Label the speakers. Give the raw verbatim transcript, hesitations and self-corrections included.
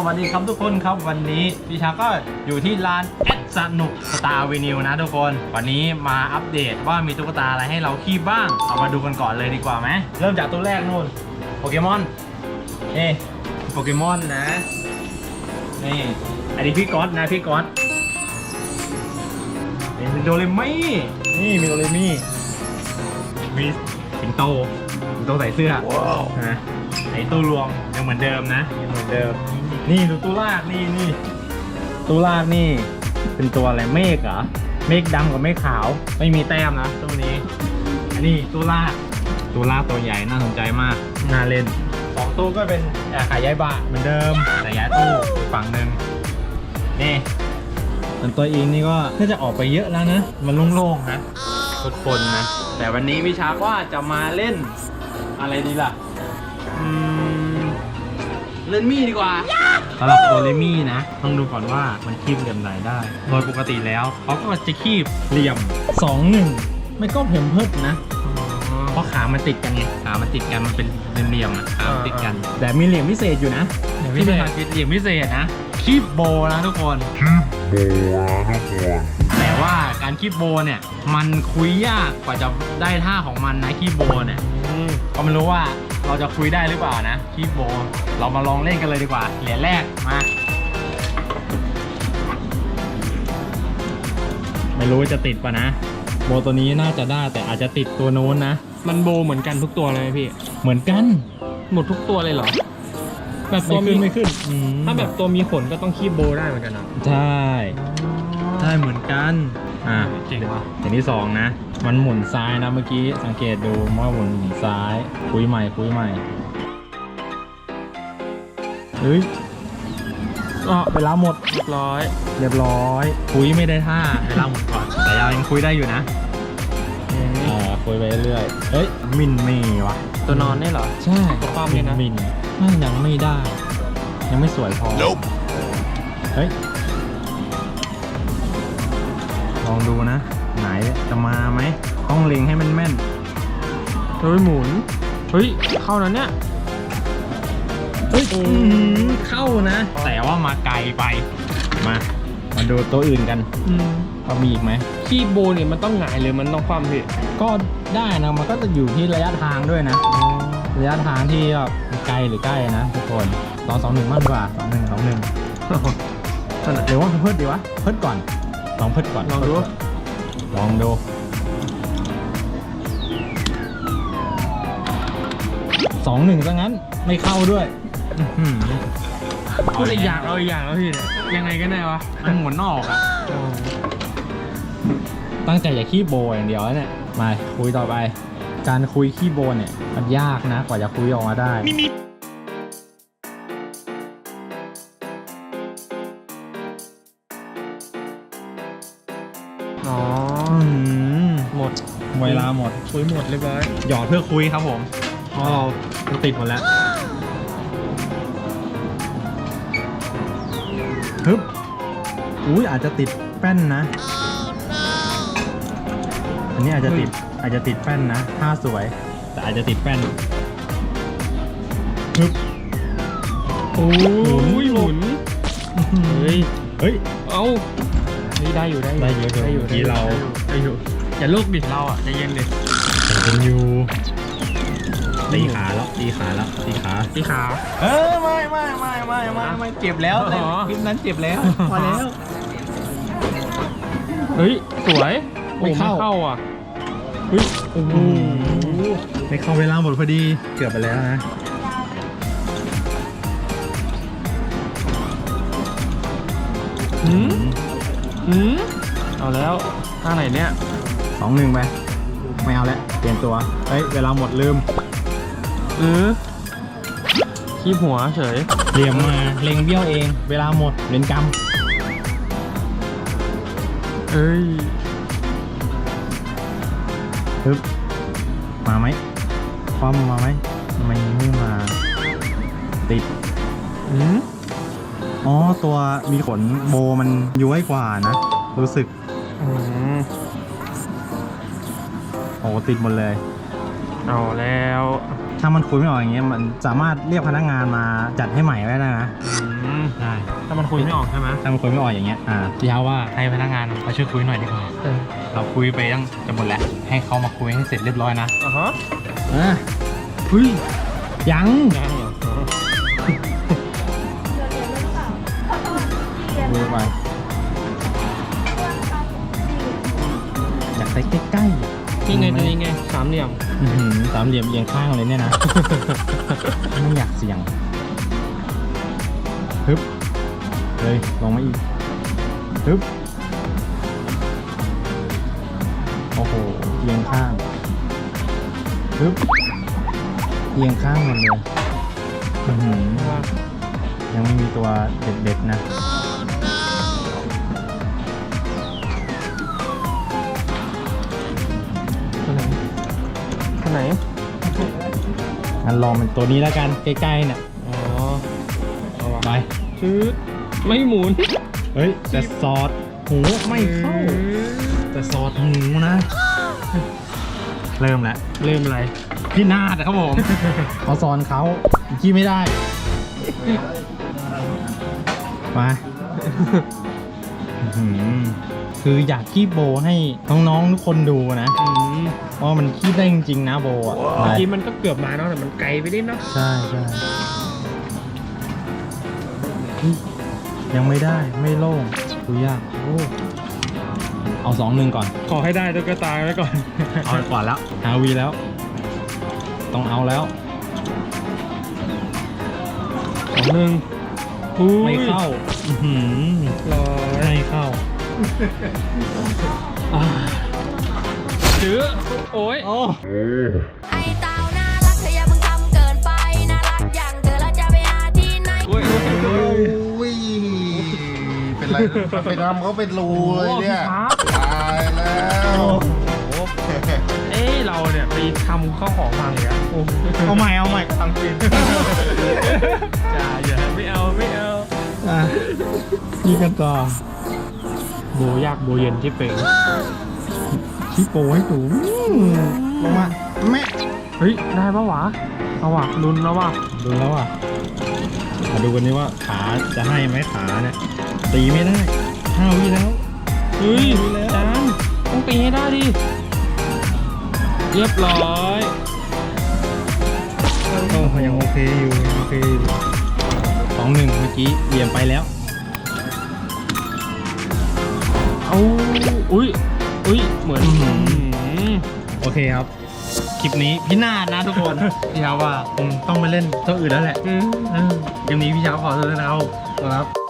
Speaker 1: วัสดีครับทุกคนครับวันนี้พี่ชาก็อยู่ที่ร้านแอดสนุกสตาร์วินิวนะทุกคนวันนี้มาอัปเดตว่ามีตุ๊กตาอะไรให้เราคีบบ้างเอามาดูกันก่อนเลยดีกว่าไหมเริ่มจากตัวแรกนู่นโปเกมอนนี่โปเกมอนนะนี่อันนี้พี่ก๊อตนะพี่ก๊อตนี่เป็นโดเรมี่นี่มีโดเรมี่มีสิงโตสิงโตใส่เสื้อนะไอ้ตู้รวมยังเหมือนเดิมนะยังเหมือนเดิมนี่ดูตู้ลากนี่นี่ตู้ลากนี่เป็นตัวอะไรเมฆเหรอเมฆดำกับเมฆขาวไม่มีแต้มนะตัวนี้อันนี้ตู้ลากตู้ลากตัวใหญ่น่าสนใจมากน่าเล่นสองตู้ก็เป็นขายย้ายบะเหมือนเดิมแต่ย้ายตู้ฝั่งหนึ่งนี่ส่วนตัวเองนี่ก็น่าจะออกไปเยอะแล้วนะมันโล่งๆนะทุกคนนะแต่วันนี้พี่ชาร์กว่าจะมาเล่นอะไรดีล่ะอืมเล่นมี่ดีกว่าสำหรับตัวเลมี่นะต้องดูก่อนว่ามันคีบเหลี่ยมไหนได้โดยปกติแล้วเขาก็จะคีบเหลี่ยมสองหนึ่งไม่ก็เพิ่มเพิ่มนะเพราะขามันติดกันไงขามันติดกันมันเป็นเหลี่ยมๆอ่ะขามันติดกันแต่มีเหลี่ยมพิเศษอยู่นะที่เป็นเหลี่ยมพิเศษนะคีบโบนะทุกคนคีบโบนะทุกคนแต่ว่าการคีบโบเนี่ยมันคุยยากกว่าจะได้ท่าของมันนะคีบโบเนี่ยก็ไม่รู้ว่าเราจะคุยได้หรือเปล่านะคีบโบเรามาลองเล่นกันเลยดีกว่าเหรียญแรกมาไม่รู้จะติดป่ะนะโบตัวนี้น่าจะได้แต่อาจจะติดตัวโน้นนะ
Speaker 2: มันโบเหมือนกันทุกตัวเลยไหมพี่
Speaker 1: เหมือนกัน
Speaker 2: หมดทุกตัวเลยเหรอแบบ
Speaker 1: ไม่
Speaker 2: ตัว
Speaker 1: ขึ้
Speaker 2: มี
Speaker 1: นไม่ขึ้น
Speaker 2: ถ้าแบบตัวมีขนก็ต้องคีบโบได้เหมือนกันนะ
Speaker 1: ใช่ใช่เหมือนกันอ่า
Speaker 2: เจ๋งว่ะ
Speaker 1: อย่างที่สองนะมันหมุนซ้ายนะเมื่อกี้สังเกตดูว่าหมุนซ้ายคุยใหม่คุยใหม่เฮ้ยอ๋อเวลาหมด
Speaker 2: เรียบร้อย
Speaker 1: เรียบร้อยคุยไม่ได้ท่าเวลาหมดก่อนแต่ยังคุยได้อยู่นะอ่าคุยไปเรื่อยเฮ้ยมินเมย์วะ
Speaker 2: ตัวนอนได้เหรอ
Speaker 1: ใช่
Speaker 2: ตัวป้อมเนี่ยนะ
Speaker 1: มินยังไม่ได้ยังไม่สวยพอ nope. เฮ้ยลองดูนะไหนจะมาไหมต้องเล็งให้มันแม่น
Speaker 2: เฮ้ยหมุนเฮ้ยเข้านั้นเนี่ย
Speaker 1: เฮ้ยเข้านะแต่ว่ามาไกลไปมามาดูตัวอื่นกันว่ามีอีกไหม
Speaker 2: คีบโบเนี่ยมันต้องหงายหรือมันต้องคว่ำพี่
Speaker 1: ก็ได้นะมันก็จะอยู่ที่ระยะทางด้วยนะระยะทางที่แบบไกลหรือใกล้นะทุกคนลองสองหนึ่งมากกว่าสองหนึ่งสองหนึ่งหรือว่าเพิ่มดีวะเพิ่มก่อนลองเพิ่มก่อน
Speaker 2: ลองดู
Speaker 1: ลองดูสองหนึ่งซะงั้นไม่เข้าด้วย
Speaker 2: พูดอีกอย่างเอาอีกอย่างแล้วพี่เนี่ยยังไงกันแน่วะ
Speaker 1: มันหมุนนอกอะตั้งใจอย่าขี้โบอย่างเดียวเนี่ยมาคุยต่อไปการคุยขี้โบเนี่ยมันยากนะกว่าจะคุยออกมาได้
Speaker 2: อ๋อหมด
Speaker 1: เวลาหมด
Speaker 2: คุยหมดเรียบร้อย
Speaker 1: หยอดเพื่อคุยครับผมเพราะเราติดหมดแล้วฮึบอุ้ยอาจจะติดแป้นนะ อันนี้อาจจะติดอาจจะติดแป้นนะท่าสวยแต่อาจจะติดแป้นฮึบ
Speaker 2: โอ้ยหมุนเฮ้ย
Speaker 1: เฮ้ย
Speaker 2: เอานี่ได้อยู่ได้
Speaker 1: ได้อยู่ได้อยู่ที่เรา
Speaker 2: ได้อยู่อย่าลูกดิเราอ่ะใจเย็นดิ
Speaker 1: เป็นอยู่ตีขาแล้วตีขาแล้วตีขา
Speaker 2: ตีขา
Speaker 1: เออไม่ไม่ไม่ไม่ไม่ไม่เจ็บแล้วคลิปนั้นเจ็บแล้วพอแล้ว
Speaker 2: เฮ้ยสวยไม่เข้าอ่ะเฮ้ยโอ้โห
Speaker 1: ไม่เข้าเวลาหมดพอดีเกือบไปแล้วนะ
Speaker 2: หืมหืมเอาแล้วท่าไหนเนี่ย
Speaker 1: สองหนึ่งไปไม่เอาแล้วเปลี่ยนตัวเฮ้ยเวลาหมดลืม
Speaker 2: เออขี้หัวเฉย
Speaker 1: เหลี่ยมมาเล็งเบี้ยวเองเวลาหมดเล่นกรรม
Speaker 2: เอ้ย
Speaker 1: ฮึบมาไหมคว่ำมาไหมไม่ไม่มาติด
Speaker 2: อืม
Speaker 1: อ๋อตัวมีขนโบมันย้วยกว่านะรู้สึก
Speaker 2: อืม
Speaker 1: โอ้ติดหมดเลย
Speaker 2: เอาแล้ว
Speaker 1: ถ้ามันคุยไม่ออกอย่างเงี้ยมันสามารถเรียกพนักงานมาจัดให้ใหม่ได้นะ
Speaker 2: ม
Speaker 1: ใช่
Speaker 2: ถ้ามันคุยไม่ออกใช่ไหม
Speaker 1: ถ้ามันคุยไม่ออกอย่างเงี้ยอ่าพี่เช้าว่าให้พนักงานมาช่วยคุยหน่อยดีกว่า
Speaker 2: เออ
Speaker 1: เราคุยไปตั้งจะหมดแล้วให้เขามาคุยให้เสร็จเรียบร้อยนะ
Speaker 2: อ่ะฮะ
Speaker 1: อ่ะเฮ้ยยัง
Speaker 2: ยังเหรออ๋อ
Speaker 1: ดูไปอยากใส่ใกล้ๆ
Speaker 2: นี่ไงตัวนี้ไงสามเหลี่ยม
Speaker 1: อื้อหือสามเหลี่ยมเอียงข้างเลยเนี่ยนะ ไม่อยากเสี่ยงฮึบเลยลงมาอีกฮึบโอ้โหเอียงข้างฮึบเอียงข้างหมดเลยอื้อหือยังไม่มีตัวเด็ดๆนะ
Speaker 2: ตัวไหนตัวไหน
Speaker 1: งั้นลองเป็นตัวนี้แล้วกันใกล้ๆเนี่ย
Speaker 2: อ๋อเอาว่ะ
Speaker 1: ไป
Speaker 2: ชืดไม่หมุน
Speaker 1: เฮ้ยแต่ซอสหูไม่เข้าแต่ซอสหูนะ เริ่มแล้ว
Speaker 2: เริ่มอะไร
Speaker 1: พี่นาดครับผม เขาสอนเขาขี้ไม่ได้มาอื้อหือคืออยากขี้โบให้น้องๆทุกคนดูนะ
Speaker 2: อืม
Speaker 1: ว่ามันขี้ได้จริงๆนะโบอ่ะ
Speaker 2: เมื่อกี้มันก็เกือบมาเนาะแต่มันไกลไปนิดเนาะ
Speaker 1: ใช่ใช่อุ๊ยยังไม่ได้ไม่โล่งคุยยากโอ้เอาสองหนึ่งก่อน
Speaker 2: ขอให้ได้ตุ๊กตาไว้ก่อน
Speaker 1: เอาก่อนแล้วฮาวีแล้ว ต้องเอาแล้ว
Speaker 2: สองหนึ่งอุ้ย
Speaker 1: ไม่เข้าอื้อหือ
Speaker 2: ร้อย
Speaker 1: ไม่เข้า
Speaker 2: อ่าจื้อโอ้ย
Speaker 1: โอ้
Speaker 3: ไอ้เต่าน่ารักเธออย่าเพิ่งทำเกินไปน่ารักอย่างเธอแล้วจะไปหาที่ไหน
Speaker 2: โอ้ยโอ้ยโอ้ย
Speaker 4: อุ้ย เป็นไรไปทำเขาเป็นรูเลยเนี่ย
Speaker 2: ครับ
Speaker 4: ตายแล้ว
Speaker 2: เอ้ยเราเนี่ยไปทำข้าวของพังอย่างเงี้ยโอ้
Speaker 1: เอาใหม่เอาใหม่ทำจริง
Speaker 2: จ่าอย่าไม่เอาไม่เอา
Speaker 1: อ่ะนี่กันต่อ
Speaker 2: โบยากโบเย็นที่เป่ง
Speaker 1: ชี้โปให้สูงลงมาแม่
Speaker 2: เฮ้ยได้ปะวะเอาวะลุ้นแล้ววะ
Speaker 1: ดูแล้วอ่ะมาดูกันนี้ว่าขาจะให้ไหมขาเนี่ยตีไม่ได้ห้าวิแล้ว
Speaker 2: เฮ้ย
Speaker 1: ลุ้นแล้ว
Speaker 2: จานต้องตีให้ได้ดิเรียบร้อย
Speaker 1: ก็ยังโอเคอยู่ยังโอเคอยู่สองหนึ่งเมื่อกี้เหลี่ยมไปแล้ว
Speaker 2: เอาอุ้ยอุ้ยเหมือน
Speaker 1: อื้อหือ
Speaker 2: อืม
Speaker 1: โอเคครับ คลิปนี้พี่นาดนะทุกคน พี่เช้าว่าคงต้องไปเล่นตัวอื่นแล้วแหละ
Speaker 2: อืม
Speaker 1: เออเกมนี้พี่เช้าขอโทษนะครับครับ